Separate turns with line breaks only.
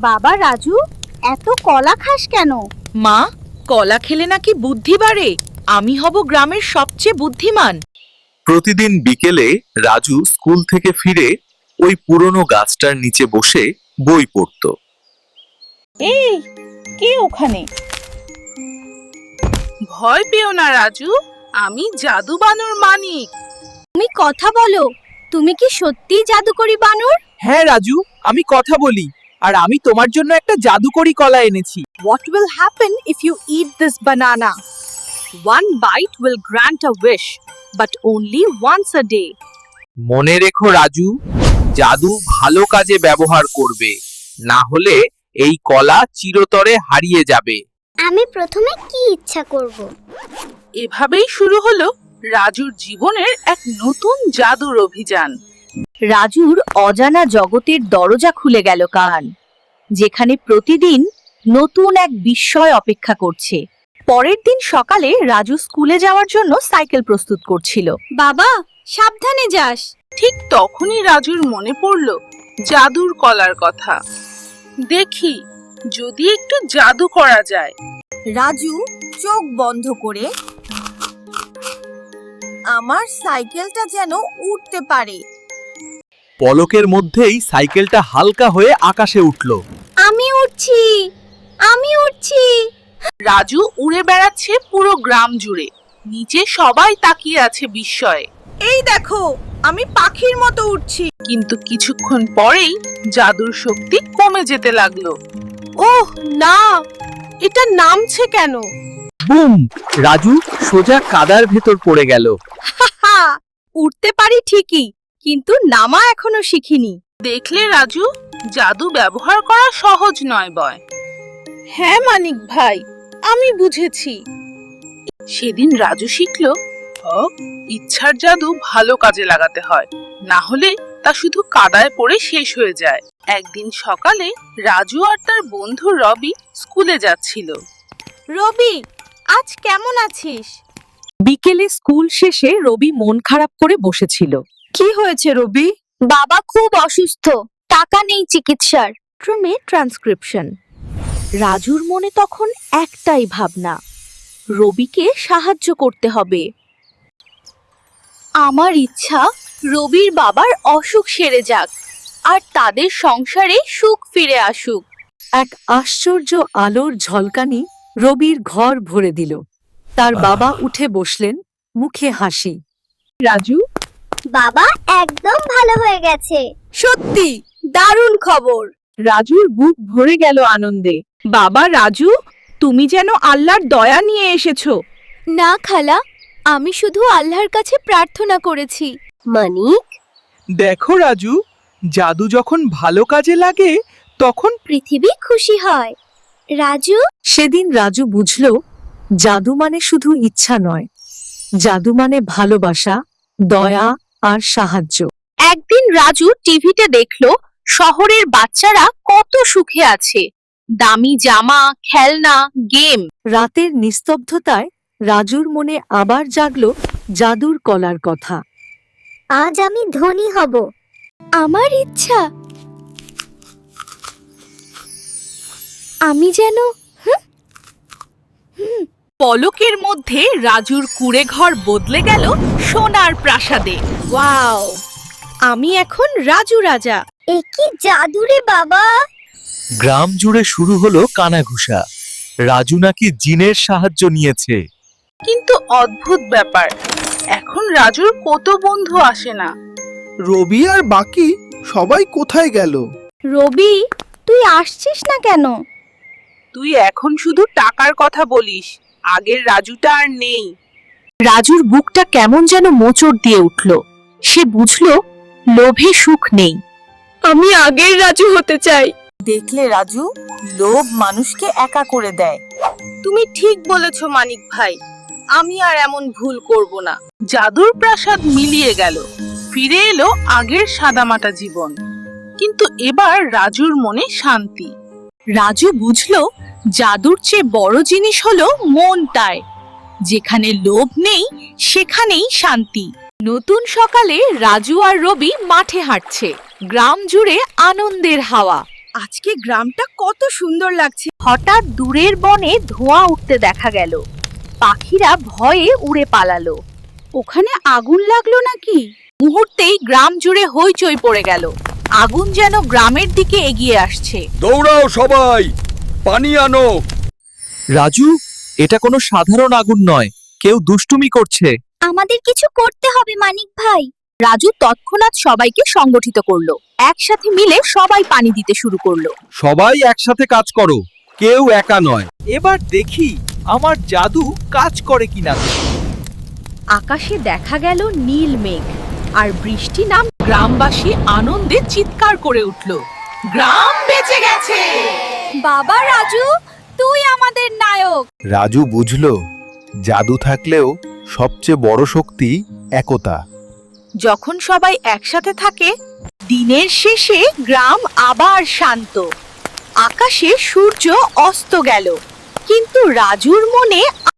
বাবা রাজু, এত কলা খাস কেন?
মা, কলা খেলে নাকি বুদ্ধি বাড়ে। আমি হব গ্রামের সবচেয়ে বুদ্ধিমান।
প্রতিদিন বিকেলে রাজু স্কুল থেকে ফিরে ওই পুরনো গাছটার নিচে বসে বই পড়তো।
এই, কে ওখানে? ভয় পেও না রাজু, আমি জাদু বানর মানিক।
তুমি কথা বলো, তুমি কি সত্যি জাদুকরি বানর?
হ্যাঁ রাজু, আমি কথা বলি, আর আমি তোমার জন্য একটা জাদুকরি কলা এনেছি।
What will happen if you eat this banana? One bite will grant a wish, but only once a day.
মনে রেখো রাজু, জাদু ভালো কাজে ব্যবহার করবে, না হলে এই কলা চিরতরে হারিয়ে যাবে।
আমি প্রথমে কি ইচ্ছা করব?
এভাবেই শুরু হলো রাজুর জীবনের এক নতুন জাদুর অভিযান।
রাজুর অজানা জগতের দরজা খুলে গেল কান, যেখানে প্রতিদিন নতুন এক বিস্ময় অপেক্ষা করছে। পরের দিন সকালে রাজু স্কুলে যাওয়ার জন্য সাইকেল প্রস্তুত করছিল। বাবা, সাবধানে যাস।
ঠিক তখনই রাজুর মনে পড়ল জাদুর কলার কথা। দেখি যদি একটু জাদু করা যায়।
রাজু চোখ বন্ধ করে আমার সাইকেলটা যেন উঠতে পারে।
পলকের মধ্যেই সাইকেলটা হালকা হয়ে আকাশে উঠল।
আমি উঠছি, আমি উঠছি।
রাজু উড়ে বেড়াচ্ছে পুরো গ্রাম জুড়ে। নিচে সবাই তাকিয়ে আছে বিস্ময়ে।
এই দেখো, আমি পাখির মতো উঠছি।
কিন্তু কিছুক্ষণ পরেই জাদুর শক্তি কমে যেতে লাগলো।
ওহ না, এটা নামছে কেন?
বুম! রাজু সোজা কাদার ভেতর পড়ে গেল।
হা, উঠতে পারি ঠিকই, কিন্তু নামা এখনো শিখিনি।
দেখলে রাজু, জাদু ব্যবহার করা সহজ নয় বয়। হ্যাঁ মানিক ভাই, আমি বুঝেছি। সেদিন রাজু শিখল ইচ্ছার জাদু ভালো কাজে লাগাতে হয়, না হলে তা শুধু কাদায় পড়ে শেষ হয়ে যায়। একদিন সকালে রাজু আর তার বন্ধু রবি স্কুলে যাচ্ছিল।
রবি, আজ কেমন আছিস?
বিকেলে স্কুল শেষে রবি মন খারাপ করে বসেছিল।
কি হয়েছে রবি?
বাবা খুব অসুস্থ, টাকা নেই চিকিৎসার।
ট্রান্সক্রিপশন। রাজুর মনে তখন একটাই ভাবনা, রবিকে সাহায্য করতে হবে। আমার ইচ্ছা রবির বাবার অসুখ সেরে যাক, আর তাদের সংসারে সুখ ফিরে আসুক।
এক আশ্চর্য আলোর ঝলকানি রবির ঘর ভরে দিল। তার বাবা উঠে বসলেন, মুখে হাসি।
রাজু,
বাবা একদম ভালো হয়ে গেছে।
সত্যি দারুণ খবর।
রাজুর বুক ভরে গেল আনন্দে। বাবা রাজু, তুমি যেন আল্লাহর দয়া নিয়ে এসেছো।
না খালা, আমি শুধু আল্লাহর কাছে প্রার্থনা করেছি।
মানিক,
দেখো রাজু, জাদু যখন ভালো কাজে লাগে তখন
পৃথিবী খুশি হয়। রাজু,
সেদিন রাজু বুঝল, জাদু মানে শুধু ইচ্ছা নয়, জাদু মানে ভালোবাসা, দয়া আর সাহায্য।
একদিন রাজু টিভিতে দেখলো শহরের বাচ্চারা কত সুখে আছে। দামি জামা, খেলনা, গেম।
রাতের নিস্তব্ধতায় রাজুর মনে আবার জাগলো জাদুর কলার কথা।
আজ আমি ধনী হব।
আমার ইচ্ছা আমি যেন
পলকের মধ্যে রাজুর কুঁড়ে ঘর বদলে গেল সোনার প্রাসাদে।
ওয়াও, আমি এখন রাজু রাজা।
এ কি জাদু রে বাবা!
গ্রাম জুড়ে শুরু হলো কানাঘুষা। রাজু নাকি জিনের সাহায্য নিয়েছে।
কিন্তু অদ্ভুত ব্যাপার, এখন রাজুর কত বন্ধু আসে না।
রবি আর বাকি সবাই কোথায় গেল?
রবি, তুই আসছিস না কেন?
তুই এখন শুধু টাকার কথা বলিস, আগের রাজুটা আর নেই।
রাজুর বুকটা কেমন যেন মোচড় দিয়ে উঠল। সে বুঝল লোভে সুখ নেই। আমি আগের রাজু হতে চাই।
দেখলে রাজু, লোভ মানুষকে একা করে দেয়। তুমি ঠিক বলেছ মানিক ভাই, আমি আর এমন ভুল করব না। জাদুর প্রাসাদ মিলিয়ে গেল, ফিরে এলো আগের সাদামাটা জীবন। কিন্তু এবার রাজুর মনে শান্তি।
রাজু বুঝল জাদুর চেয়ে বড় জিনিস হলো মনটায়। যেখানে লোভ নেই সেখানেই শান্তি। নতুন সকালে রাজু আর রবি মাঠে হাঁটছে। গ্রাম জুড়ে আনন্দের হাওয়া। আজকে গ্রামটা কত সুন্দর লাগছে। হঠাৎ দূরের বনে ধোঁয়া উঠতে দেখা গেল। পাখিরা ভয়ে উড়ে পালালো। ওখানে আগুন লাগলো নাকি? মুহূর্তেই গ্রাম জুড়ে হইচই পড়ে গেল। আগুন যেন গ্রামের দিকে এগিয়ে আসছে।
দৌড়াও সবাই, পানি আনো।
রাজু, এটা কোনো সাধারণ আগুন নয়, কেউ দুষ্টুমি করছে।
আমাদের কিছু করতে হবে মানিক ভাই।
রাজু তৎক্ষণাৎ সবাইকে সংগঠিত করলো। একসাথে মিলে সবাই পানি দিতে শুরু করলো।
সবাই একসাথে কাজ করো, কেউ একা নয়।
এবার দেখি আমার জাদু কাজ করে কিনা।
আকাশে দেখা গেল নীল মেঘ আর বৃষ্টি নাম।
গ্রামবাসী আনন্দে চিৎকার করে উঠল, গ্রাম বেঁচে গেছে।
বাবা রাজু, তুই আমাদের নায়ক।
রাজু বুঝল জাদু থাকলেও সবচেয়ে বড় শক্তি একতা।
যখন সবাই একসাথে থাকে, দিনের শেষে গ্রাম আবার শান্ত। আকাশে সূর্য অস্ত গেল, কিন্তু রাজুর মনে